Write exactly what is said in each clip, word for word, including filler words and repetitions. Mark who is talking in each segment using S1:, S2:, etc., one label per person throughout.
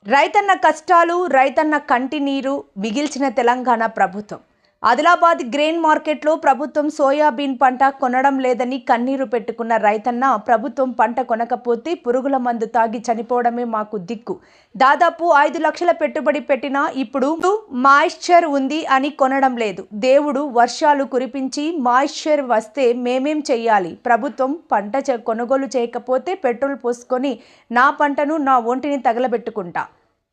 S1: రైతన్న కష్టాలు రైతన్న కంటి నీరు మిగిల్చిన తెలంగాణ ప్రభుత్వం. ఆదిలాబాద్ గ్రెయిన్ మార్కెట్లో ప్రభుత్వం సోయాబీన్ పంట కొనడం లేదని కన్నీరు పెట్టుకున్న రైతన్న ప్రభుత్వం పంట కొనకపోతే పురుగుల మందు తాగి చనిపోవడమే మాకు దిక్కు. దాదాపు ఐదు లక్షల పెట్టుబడి పెట్టినా ఇప్పుడు మాయిశ్చర్ ఉంది అని కొనడం లేదు. దేవుడు వర్షాలు కురిపించి మాయిశ్చర్ వస్తే మేమేం చెయ్యాలి? ప్రభుత్వం పంట కొనుగోలు చేయకపోతే పెట్రోల్ పోసుకొని నా పంటను నా ఒంటిని తగలబెట్టుకుంటా.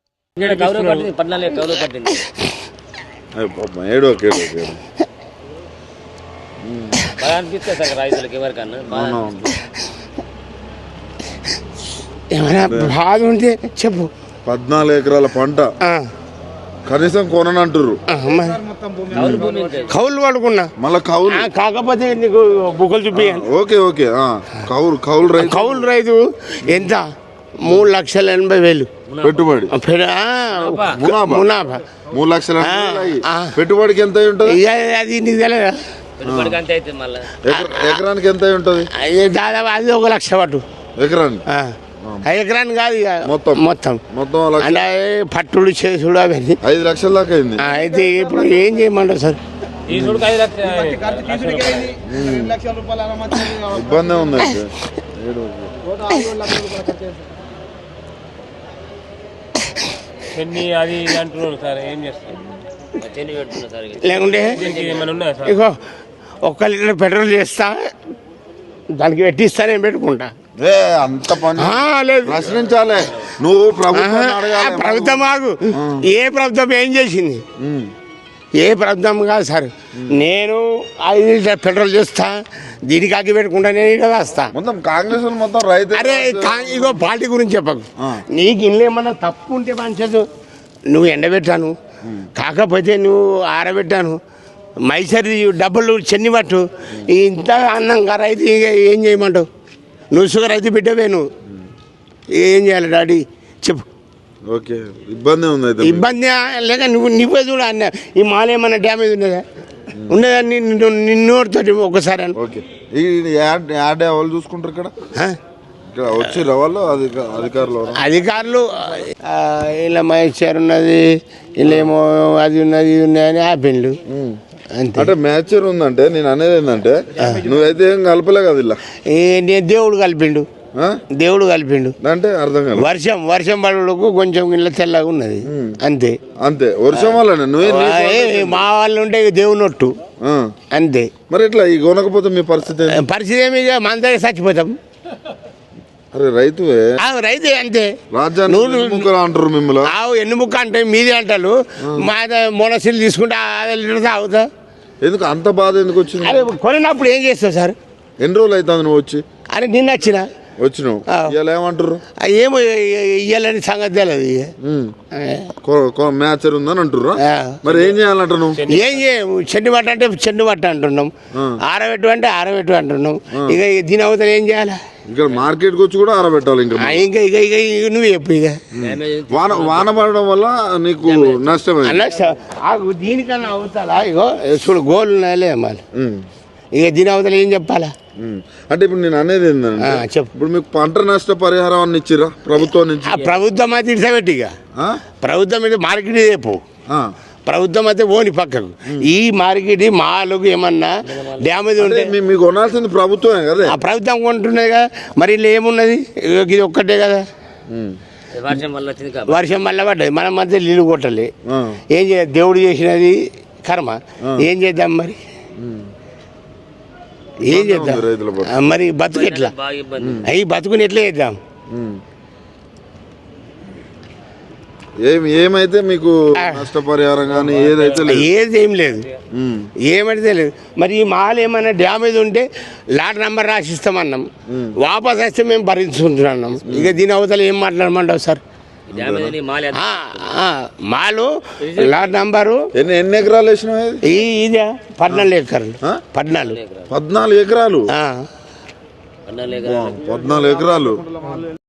S2: ఏడో
S3: ఏమైనా బాధ ఉంటే చెప్పు.
S2: పద్నాలుగు ఎకరాల పంట కనీసం కొననంటారు.
S3: కౌలు పడుకున్నా
S2: మళ్ళీ కౌలు
S3: కాకపోతే నీకు బుక్కలు చూపించాను.
S2: ఓకే ఓకే కౌలు కౌలు రైతు
S3: కౌలు రైతు ఎంత? మూడు లక్షల ఎనభై వేలు
S2: పెట్టుబడి.
S3: మునాఫా
S2: మూడు లక్షల పెట్టుబడికి ఎంత ఉంటుంది?
S3: అది నీకు తెలియదా?
S2: ఎకరానికి ఎంత ఉంటుంది?
S3: దాదాపు అది ఒక లక్ష పట్టు
S2: ఎకరానికి.
S3: ఎకరాన్ని కాదు
S2: మొత్తం
S3: మొత్తం
S2: మొత్తం
S3: అంటే పట్టుడు చేసుడు అవన్నీ
S2: ఐదు లక్షల దాకా అయింది.
S3: అయితే ఇప్పుడు ఏం చేయమంటారు సార్?
S2: ఇబ్బంది ఉంది.
S4: అది అంటున్నారు సార్, ఏం చేస్తారు?
S3: లేకుంటే ఇగో ఒక్క లీటర్ పెట్రోల్ చేస్తా, దానికి పెట్టిస్తా, నేను పెట్టుకుంటా.
S2: అంత పని లేదు, ప్రశ్నించాలి నువ్వు. ప్రభుత్వం
S3: ప్రభుత్వం ఆగు. ఏ ప్రభుత్వం ఏం చేసింది? ఏ ప్రభుత్వం కాదు సార్. నేను ఐదు లీటర్ పెట్రోల్ చేస్తా, దీనికి అగ్గి పెట్టుకుంటా, నేను ఇక్కడ వస్తా.
S2: మొత్తం కాంగ్రెస్ మొత్తం రైతు.
S3: అరే ఇగో పార్టీ గురించి చెప్పకు. నీకు ఇల్లు ఏమన్నా తప్పు ఉంటే మంచదు. నువ్వు ఎండబెట్టాను, కాకపోతే నువ్వు ఆరబెట్టాను, మైసరి డబ్బులు చెన్ని పట్టు, ఇంత అన్నంగా రైతు ఏం చేయమంటావు? నువ్వు షుగర్ రైతు బిడ్డవే, నువ్వు ఏం చేయాలి డాడీ చెప్పు.
S2: ఓకే ఇబ్బంది ఉంది.
S3: ఇబ్బంది లేక నువ్వు నువ్వే చూడ అన్న ఈ మాల ఏమన్నా డ్యామేజ్ ఉన్నదా? ఉన్నదా? నిన్ను నిన్నోడితో ఒకసారి అని.
S2: ఓకే ఈ యాడ్ వాళ్ళు చూసుకుంటారు ఇక్కడ ఇక్కడ వచ్చి వాళ్ళు అధికారులు
S3: అధికారులు ఇలా మైచర్ ఉన్నది, ఇలా ఏమో అది ఉన్నది ఇది ఉన్నది అని ఆపిండు.
S2: అంటే మ్యాచర్ ఉందంటే నేను అనేది ఏంటంటే నువ్వైతే ఏం కలపలే కదా ఇలా.
S3: నేను దేవుడు కలిపిండు, దేవుడు కలిపిండు
S2: అంటే అర్థం కాదు.
S3: వర్షం వర్షం పడుకు కొంచెం ఇలా తెల్లగా ఉన్నది అంతే.
S2: అంతే వర్షం వల్ల
S3: మా వాళ్ళు ఉంటే దేవుని ఒట్టు అంతే.
S2: మరి ఎట్లా ఈ కొనకపోతే మీ పరిస్థితి?
S3: పరిస్థితి ఏమి మన దగ్గర చచ్చిపోతాం.
S2: అరే రైతు
S3: రైతే అంతే.
S2: రాజ్యాన్ని అంటారు మిమ్మల్ని.
S3: ఎన్ని ముక్క అంటే మీదే అంటారు. మా మొనసీలు తీసుకుంటే తాగుతా.
S2: ఎందుకు అంత బాధ ఎందుకు వచ్చింది?
S3: అరే కొనినప్పుడు ఏం చేస్తావు సార్?
S2: ఎన్ని రోజులు అవుతుంది నువ్వు వచ్చి?
S3: అరే నిన్న వచ్చిన
S2: వచ్చినావు, ఇలా ఏమంటారు?
S3: ఏమో ఇయ్యాలని సంగతి తెలియదు.
S2: మ్యాచర్ ఉందని అంటుర్రా? మరి ఏం చేయాలంట నువ్వు?
S3: ఏం చేయము. చెండు బట్ట అంటే చెండు బట్ట అంటున్నాం, ఆరబెట్టు అంటే ఆరబెట్టు అంటున్నాం. ఇక దీని అవతల ఏం చేయాలి?
S2: ఇక్కడ మార్కెట్కి వచ్చి కూడా ఆరబెట్టాలి. ఇంకా
S3: ఇంకా ఇక ఇక నువ్వు చెప్పు. ఇక
S2: వాన వాన పడడం వల్ల నీకు నష్టం.
S3: నష్టం దీనికన్నా అవుతాలా? ఇగో చూడు గోళ్ళు ఉన్నాయలే మళ్ళీ. ఇక దీని అవతల ఏం చెప్పాలా?
S2: అంటే ఇప్పుడు నేను అనేది ఏంటంటే
S3: చెప్పు.
S2: ఇప్పుడు మీకు పంట నష్ట పరిహారం అన్ని ఇచ్చిరా ప్రభుత్వం నుంచి?
S3: ప్రభుత్వం అయితే ఇడిసబెట్టి ఇక ప్రభుత్వం అయితే మార్కెట్ రేపు ప్రభుత్వం అయితే ఓని పక్కకు ఈ మార్కెట్ మాలకు ఏమన్నా డ్యామేజ్ ఉంటే
S2: మీకు కొనాల్సింది ప్రభుత్వమే కదా.
S3: ఆ ప్రభుత్వం కొంటున్నాయిగా. మరి ఇలా ఏమున్నది? ఇది ఒక్కటే కదా. వర్షం వల్ల పడ్డది, మనం మధ్య నీళ్ళు కొట్టాలి. ఏం చేయాలి? దేవుడు చేసినది కర్మ, ఏం చేద్దాం మరి? ఏం చేద్దాం మరి? బతుకు ఎట్లా? అవి బతుకుని ఎట్లా చేద్దాం?
S2: ఏమి ఏమైతే మీకు నష్టపరిహారం కానీ ఏదైతే
S3: ఏది ఏం లేదు, ఏమైతే లేదు. మరి ఈ మాల్ ఏమైనా డ్యామేజ్ ఉంటే లాట్ నెంబర్ రాసిస్తామన్నాం, వాపస్ వస్తే మేము భరించుకుంటున్నాం. ఇక దీని అవతల ఏం మాట్లాడమంటావు సార్? మాలు లాట్ నంబరు
S2: ఎన్ని ఎన్ని ఎకరాలు వేసినావు?
S3: ఇదే పద్నాలుగు ఎకరాలు. పద్నాలుగు
S2: పద్నాలుగు ఎకరాలు పద్నాలుగు ఎకరాలు